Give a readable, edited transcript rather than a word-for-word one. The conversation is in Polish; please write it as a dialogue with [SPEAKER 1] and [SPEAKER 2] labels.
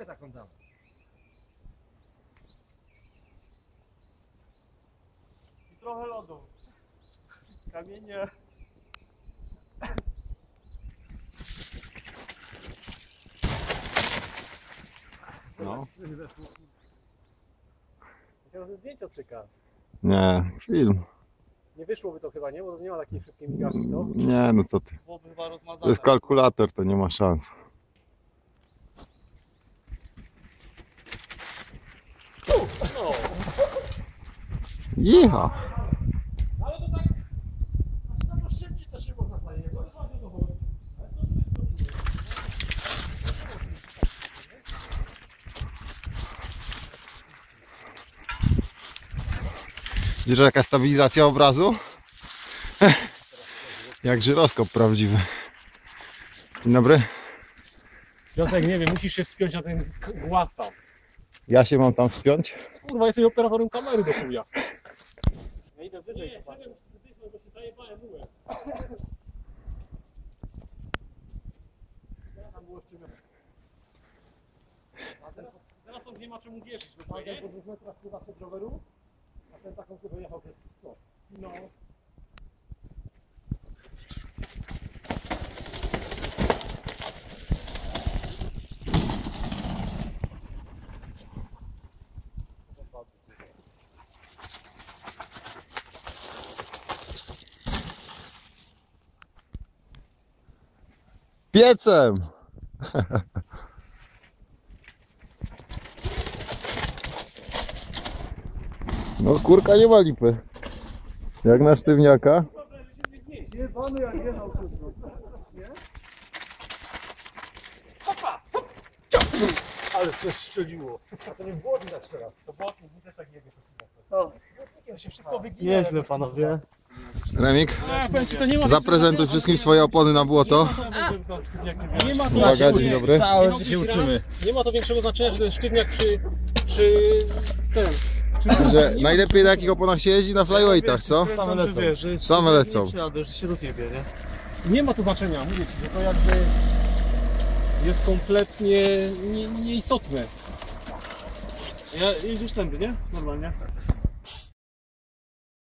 [SPEAKER 1] ławkę taką dam.
[SPEAKER 2] I trochę lodu. Kamienie.
[SPEAKER 3] No.
[SPEAKER 2] Chciałem, że zdjęcia cyka.
[SPEAKER 3] Nie, film.
[SPEAKER 2] Nie wyszłoby to chyba, nie? Bo nie ma takiej szybkiej migawki, co?
[SPEAKER 3] Nie, no co ty.
[SPEAKER 2] Byłoby chyba rozmazane.
[SPEAKER 3] To jest kalkulator, to nie ma szans.
[SPEAKER 2] No.
[SPEAKER 3] Jicha.
[SPEAKER 2] Ale to tak... A to szybciej też nie można fajnie. Ale to
[SPEAKER 3] Widzisz jaka stabilizacja obrazu? Jak żyroskop prawdziwy. Dzień dobry.
[SPEAKER 2] Piotrek, nie wiem, musisz się wspiąć na ten głaz tam.
[SPEAKER 3] Ja się mam tam wspiąć.
[SPEAKER 2] Kurwa, jesteś operatorem kamery do chuja. Ja idę wyżej. Nie, bo się zajebałem mułem. Tam było jeszcze teraz on nie ma czemu wierzyć. Po 2 metrach chyba przed roweru, a ten taką chyba jechał przez co? No.
[SPEAKER 3] Piecem! No kurka nie ma lipy. Jak na sztywniaka.
[SPEAKER 2] Jebany jak jechał szybko. Nie? Hopa! Hop! Ale to strzeliło. A to nie było widać teraz. To błotnik, mi też tak jebie. Błotnikiem się wszystko wygina.
[SPEAKER 1] Nieźle panowie.
[SPEAKER 3] Remik,
[SPEAKER 2] To nie ma
[SPEAKER 3] zaprezentuj wszystkim swoje opony na błoto.
[SPEAKER 2] Nie ma to
[SPEAKER 3] Uwaga, dzień dobry.
[SPEAKER 1] Całe życie się uczymy.
[SPEAKER 2] Nie ma to większego znaczenia, że ten sztywniak przy ten.
[SPEAKER 3] Że najlepiej na jakich oponach się jeździ? Na flyweightach, co?
[SPEAKER 1] Same lecą.
[SPEAKER 3] Same lecą.
[SPEAKER 1] Że się rozjebie, nie?
[SPEAKER 2] Nie ma to znaczenia, mówię ci, że to jakby jest kompletnie nieistotne.
[SPEAKER 1] Ja jedziesz tędy, nie? Normalnie.